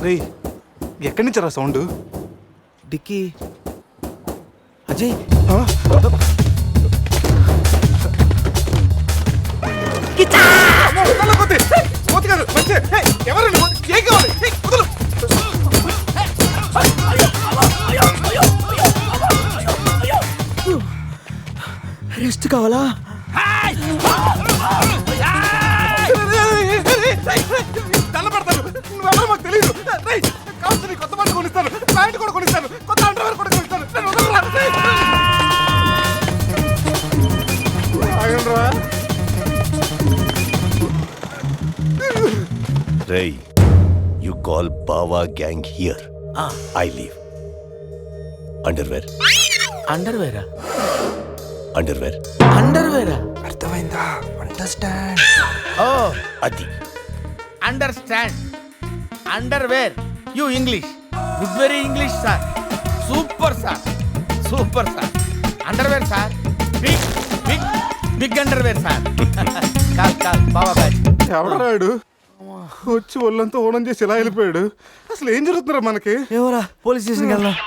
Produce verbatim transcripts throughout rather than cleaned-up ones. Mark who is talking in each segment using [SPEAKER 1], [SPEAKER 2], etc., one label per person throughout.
[SPEAKER 1] రేయ్ ఎక్కడి నుంచి రా సౌండ్?
[SPEAKER 2] డిక్కీ అజయ్ రెస్ట్ కావాలా?
[SPEAKER 1] తెల్లబడతాను, నువ్వెవరో మాకు తెలియదు. కావచ్చు కొత్త బట్టలు కొనిస్తాను, ప్యాంట్ కూడా కొనిస్తాను, కొత్త అండర్వేర్ కూడా కొనిస్తాను.
[SPEAKER 3] Ray, you call Bawa gang here.
[SPEAKER 2] Ah.
[SPEAKER 3] I leave. Underwear.
[SPEAKER 2] అండర్వేరా?
[SPEAKER 3] Underwear.
[SPEAKER 2] అండర్వేరా?
[SPEAKER 4] అర్థమైందా? అండర్స్టాండ్.
[SPEAKER 2] ఓ
[SPEAKER 3] Adi.
[SPEAKER 2] Understand. Underwear. You English good, very English sir. Super sir, super sir. Underwear sir, big big big underwear sir. Call call బావా batch.
[SPEAKER 1] ఎవడరాడు వచ్చి ఒళ్ళంతా ఓనం చేసి ఇలా వెళ్ళిపోయాడు? అసలు ఏం జరుగుతున్నారా మనకి?
[SPEAKER 2] ఎవరా? పోలీస్ స్టేషన్కి వెళ్దాం.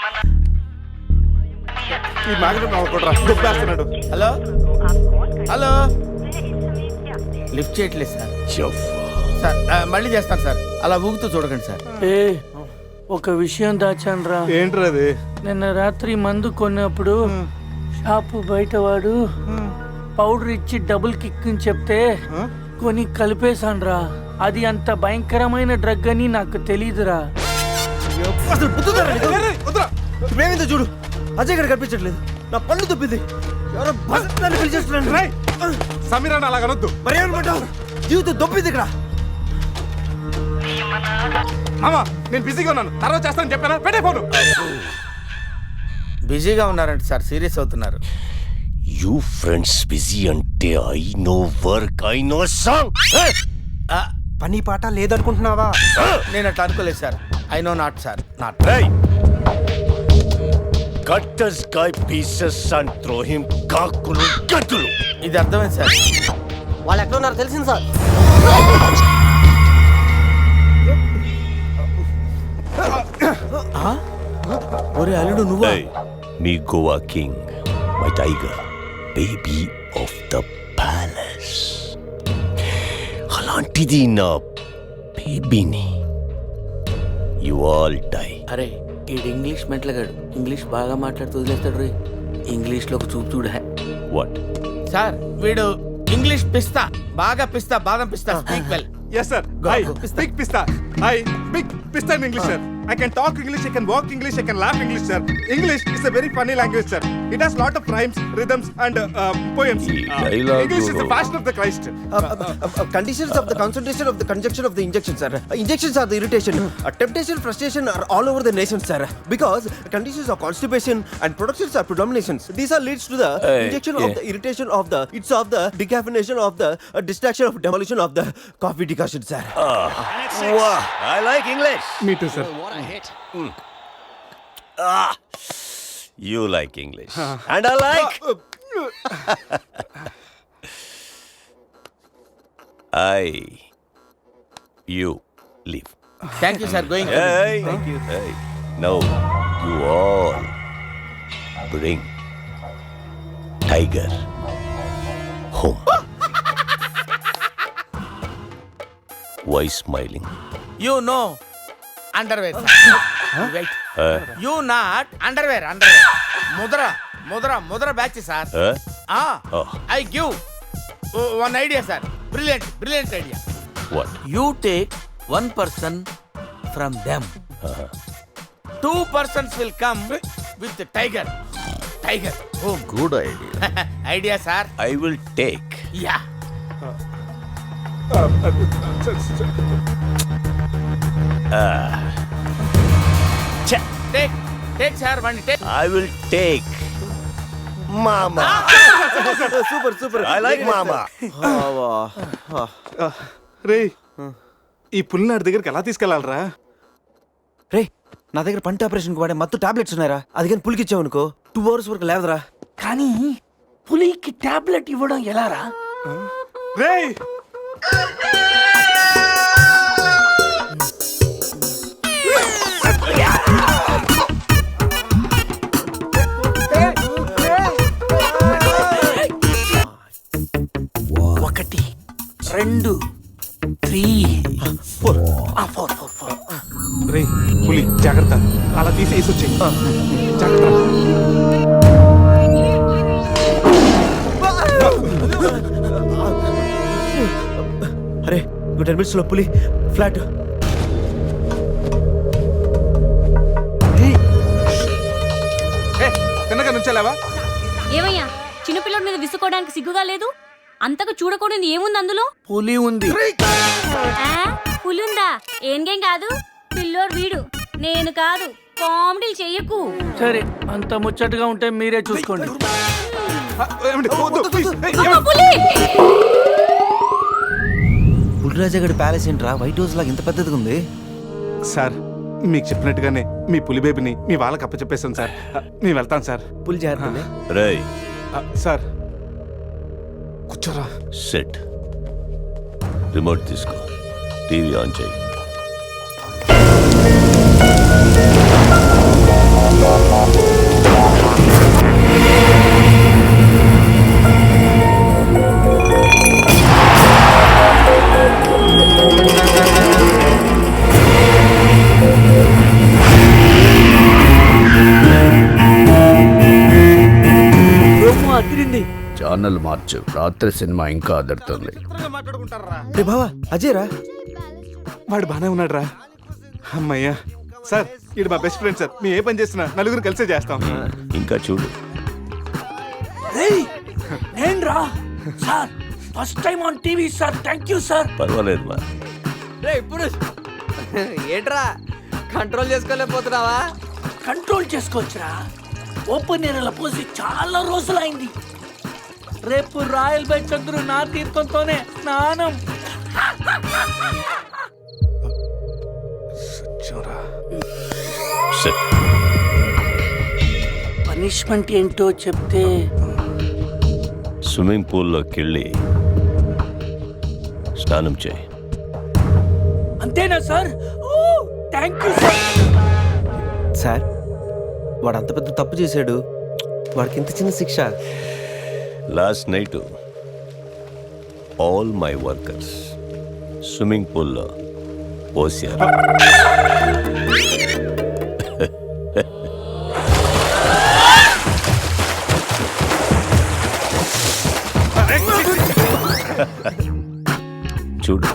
[SPEAKER 1] ఈ మ్యాగ్నెట్ నవ్వకూడరా, దుబ్బేస్తున్నాడు.
[SPEAKER 2] హలో హలో, లిఫ్ట్ చేయట్లేదు సార్. సార్ ఆ, మళ్ళీ చేస్తాను సార్, అలా ఊగుతూ చూడకండి సార్.
[SPEAKER 5] ఏ ఒక విషయం దాచాన్రా.
[SPEAKER 1] ఏంట్రా అది?
[SPEAKER 5] నిన్న రాత్రి మందు కొన్నప్పుడు షాపు బయట వాడు పౌడర్ ఇచ్చి డబుల్ కిక్ అని చెప్తే కొని కలిపేశాన్రా. అది అంత భయంకరమైన డ్రగ్ అని నాకు తెలీదురా.
[SPEAKER 2] ఇప్పుడేమైందో చూడు, అజయ్ ఇక్కడ కనిపించట్లేదు. నా పళ్ళు తప్పింది. ఎవరో బస్ పిలిచేస్తున్నాను.
[SPEAKER 1] సమీరాన్ని అలా కనొద్దు.
[SPEAKER 2] మరి ఏమనుకుంటావు? జీవితం దొప్పింది ఇక్కడ.
[SPEAKER 1] మామా నేను బిజీగా ఉన్నాను, తర్వాత చేస్తానని చెప్పాను. పెట్టే ఫోను.
[SPEAKER 2] బిజీగా ఉన్నారంట సార్, సీరియస్ అవుతున్నారు.
[SPEAKER 3] You friends busy ante I know work, I know song.
[SPEAKER 4] పని పాట లేదనుకుంటున్నావా?
[SPEAKER 2] నేను అట్లా అనుకోలేదు sir. I know not sir, not.
[SPEAKER 3] Hey! Cut this guy pieces and throw him kakulu gatulu.
[SPEAKER 2] ఇది అర్థమైంది సార్.
[SPEAKER 4] వాళ్ళు ఎక్కడ ఉన్నారో తెలిసింది సార్.
[SPEAKER 2] ఒరే అల్లుడు నువ్వా?
[SPEAKER 3] Hey, me Goa king, my tiger, baby of the palace. అలాంటిది నా బేబీని. You all die.
[SPEAKER 5] అరే ఈడు ఇంగ్లీష్ మెంట్లగాడు, ఇంగ్లీష్ బాగా మాట్లాడుతూ వదిలేస్తాడు రే. ఇంగ్లీష్లో ఒక చూపు చూడ.
[SPEAKER 3] What?
[SPEAKER 2] సార్ వీడు ఇంగ్లీష్ పిస్తా, బాగా పిస్తా, బాదం పిస్తా. Speak well.
[SPEAKER 1] Yes sir. I speak pista. I speak pista in English sir. I can talk English, I can walk English, I can laugh English sir. English is a very funny language sir. It has lot of rhymes, rhythms and uh, poems. Uh, English is the fashion of the Christ.
[SPEAKER 6] Uh, uh, uh, conditions of the concentration of the conjunction of the injection, sir. Uh, injections are the irritation. Uh, temptation, frustration are all over the nation, sir. Because conditions of constipation and productions are predominations. These are leads to the
[SPEAKER 3] Hey,
[SPEAKER 6] injection
[SPEAKER 3] yeah.
[SPEAKER 6] of the irritation of the, it's of the decaffeination of the uh, distraction of demolition of the coffee decoction, sir.
[SPEAKER 3] Wow, I like English.
[SPEAKER 1] Me too sir.
[SPEAKER 3] Ah, you like English, and I like. I, you leave.
[SPEAKER 2] Thank you sir. Going.
[SPEAKER 3] Hey, thank you. Hey, now you all bring Tiger home. Why smiling?
[SPEAKER 2] You know underwear. Right.
[SPEAKER 3] Uh,
[SPEAKER 2] you not underwear. Underwear ముద్ర ముద్ర ముద్ర batch sir.
[SPEAKER 3] uh, Oh.
[SPEAKER 2] I give one idea sir. Brilliant brilliant idea.
[SPEAKER 3] what?
[SPEAKER 5] You take one person from them.
[SPEAKER 2] Two persons will come with tiger. Tiger home.
[SPEAKER 3] Good idea.
[SPEAKER 2] Idea sir.
[SPEAKER 3] I will take.
[SPEAKER 2] Yeah.
[SPEAKER 3] Check.
[SPEAKER 2] Take take sir one take.
[SPEAKER 3] I will take. Mama.
[SPEAKER 6] Super, super.
[SPEAKER 3] I like Mama.
[SPEAKER 1] రే ఈ పుల్ని నాటి దగ్గరికి ఎలా తీసుకెళ్ళాలరా?
[SPEAKER 6] రే నా దగ్గర పంట ఆపరేషన్కి వాడే మత్తు టాబ్లెట్స్ ఉన్నారా? అది కానీ పులికిచ్చావు అనుకో టూ అవర్స్ వరకు లేవదరా.
[SPEAKER 5] కానీ పులికి టాబ్లెట్ ఇవ్వడం ఎలారా?
[SPEAKER 1] రే
[SPEAKER 5] రెండు three
[SPEAKER 6] four
[SPEAKER 5] four four four
[SPEAKER 1] రే పులి జాగ్రత్త, అలా తీసి వేసి వచ్చాయి. జాగ్రత్త.
[SPEAKER 6] అరే టెన్ మినిట్స్ లో పులి ఫ్లాట్.
[SPEAKER 1] ఏ తిన్నగా నుంచెలావా?
[SPEAKER 7] ఏమయ్యా చిన్నపిల్లడి మీద విసుకోవడానికి సిగ్గుగా లేదు? అంతకు చూడకూడదు ఏముంది అందులో?
[SPEAKER 5] పులి ఉంది.
[SPEAKER 7] ఆ, పులి ఉందా? ఏం కాదు, పిల్లోడు వీడు, నేను కాదు. కామెడీలు చెయ్యకు.
[SPEAKER 5] సరే, అంత ముచ్చటగా ఉంటే మీరే చూసుకోండి.
[SPEAKER 1] ఆ, ఏమండి? వద్దు, please. ఏయ్,
[SPEAKER 7] అమ్మ,
[SPEAKER 1] ఏమండి?
[SPEAKER 7] పులి!
[SPEAKER 6] పులిరాజగడ్ ప్యాలెస్ ఏంట్రా వైట్ హౌస్ లాగా ఇంత పెద్దదిగా ఉంది?
[SPEAKER 1] సార్ మీకు చెప్పినట్టుగానే మీ పులి బేబీని మీ వాళ్ళకి అప్పచెప్పేసాను సార్. ఆ, మేము వెళ్తాం సార్.
[SPEAKER 6] పులి జాగ్రత్త.
[SPEAKER 3] రేయ్
[SPEAKER 1] ఆ, సార్ కూర్చోరా.
[SPEAKER 3] సెట్ రిమోట్ తీసుకో, టీవీ ఆన్ చేయి.
[SPEAKER 8] ఛానల్ మార్చు, రాత్రి సినిమా ఇంకా అదరుతుంది.
[SPEAKER 6] రే బావా అజయ్ రా.
[SPEAKER 1] వాడు బానే ఉన్నాడు రా. అమ్మయ్యా సార్, ఇది మా బెస్ట్ ఫ్రెండ్ సార్. మేము ఏ పని చేస్తున్నా నలుగురు కలిసే చేస్తాం.
[SPEAKER 3] ఇంకా చూడు.
[SPEAKER 5] నేను రా sir, first time on TV sir. Thank you sir.
[SPEAKER 3] పర్వాలేదు మా.
[SPEAKER 4] ఏంట్రా కంట్రోల్ చేసుకోలేకపోతున్నావా?
[SPEAKER 5] కంట్రోల్ చేసుకోవచ్చురా. ఓపెన్ ఏరియాలో పోసి చాలా రోజులైంది. రేపు రాయల్ బై చంద్రు నా తీర్థంతోనే స్నానం.
[SPEAKER 3] సెట్.
[SPEAKER 5] పనిష్మెంట్ ఏంటో చెప్తే
[SPEAKER 3] స్విమ్మింగ్ పూల్లోకి వెళ్ళి స్నానం చేయి.
[SPEAKER 5] అంతేనా sir? Oh thank you sir.
[SPEAKER 6] Sir వాడు అంత పెద్ద తప్పు చేశాడు, వాడికి ఇంత చిన్న శిక్ష.
[SPEAKER 3] Last night all my workers swimming పూల్లో పోసారు. చూడు.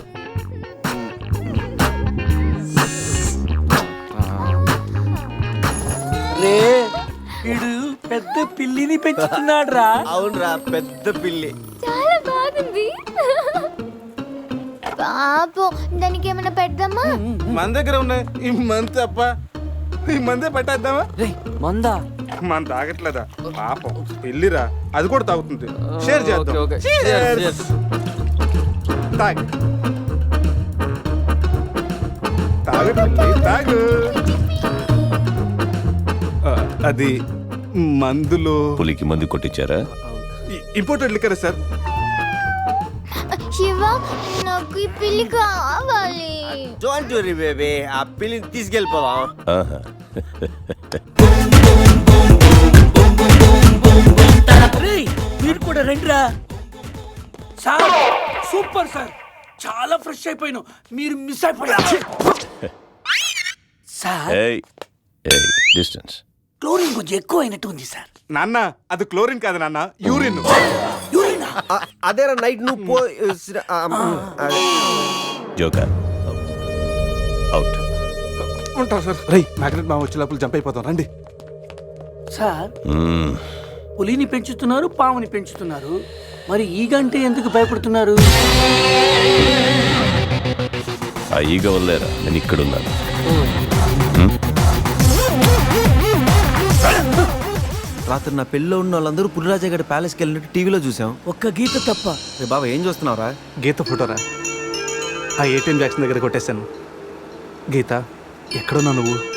[SPEAKER 5] రే వీడు పెద్ద పిల్లిని పెంచుతున్నాడు రా.
[SPEAKER 6] అవునరా, పెద్ద పిల్లి.
[SPEAKER 9] చాలా బాగుంది. పాపం దానికి ఏమైనా పెడదామా?
[SPEAKER 1] మన దగ్గర ఉన్నాయి ఈ మంత్ తప్ప. ఈ మందే పట్టేద్దామా?
[SPEAKER 4] మందా?
[SPEAKER 1] మన తాగట్లేదా పాపం? వెళ్ళిరా, అది కూడా తాగుతుంది. షేర్ చేద్దాం. Cheers. తాగు తాగు పిల్లి, తాగు. ఆ, అది మందులో
[SPEAKER 3] పులికి మందు కొట్టించారా?
[SPEAKER 1] Imported liquor sir.
[SPEAKER 9] శివ, నాకు ఈ పిల్లి కావాలి.
[SPEAKER 6] డోంట్ వరీ బేబీ, ఆ పిల్లిని తీసుకెళ్ళిపోదాం.
[SPEAKER 3] ఆహా.
[SPEAKER 5] రేయ్, మీరు కూడా రండిరా. సార్ సూపర్ సార్, చాలా ఫ్రెష్ అయిపోయాను. మీరు మిస్ అయిపోయారు సార్.
[SPEAKER 3] ఏయ్ ఏయ్ డిస్టెన్స్.
[SPEAKER 5] క్లోరిన్ కొంచెం ఎక్కువ అయినట్టు ఉంది సార్.
[SPEAKER 1] నాన్న అది క్లోరిన్ కాదు నాన్న, యూరిన్.
[SPEAKER 5] యూరినా?
[SPEAKER 6] అదేరా నైట్ నువ్వు పో.
[SPEAKER 3] Joker out.
[SPEAKER 1] ఉంటాం సార్. రై మ్యాగ్నెట్ మా వచ్చే లోపల జంప్ అయిపోతాం. రండి
[SPEAKER 5] సార్, పులిని పెంచుతున్నారు, పాముని పెంచుతున్నారు, మరి ఈ గంటే ఎందుకు భయపడుతున్నారు?
[SPEAKER 3] ఆ ఈగ వల్లేరా నేను ఇక్కడున్నాను.
[SPEAKER 6] రాత్రి నా పెళ్ళిలో ఉన్న వాళ్ళందరూ పులిరాజగడ్ ప్యాలెస్కి వెళ్ళినట్టు టీవీలో చూసాం.
[SPEAKER 5] ఒక్క గీత తప్ప.
[SPEAKER 6] రే బాబా ఏం చూస్తున్నావురా?
[SPEAKER 1] గీత ఫోటోరా. ఆ ఏటీఎం జాక్సన్ దగ్గర కొట్టేశాను. గీత ఎక్కడున్నా నువ్వు?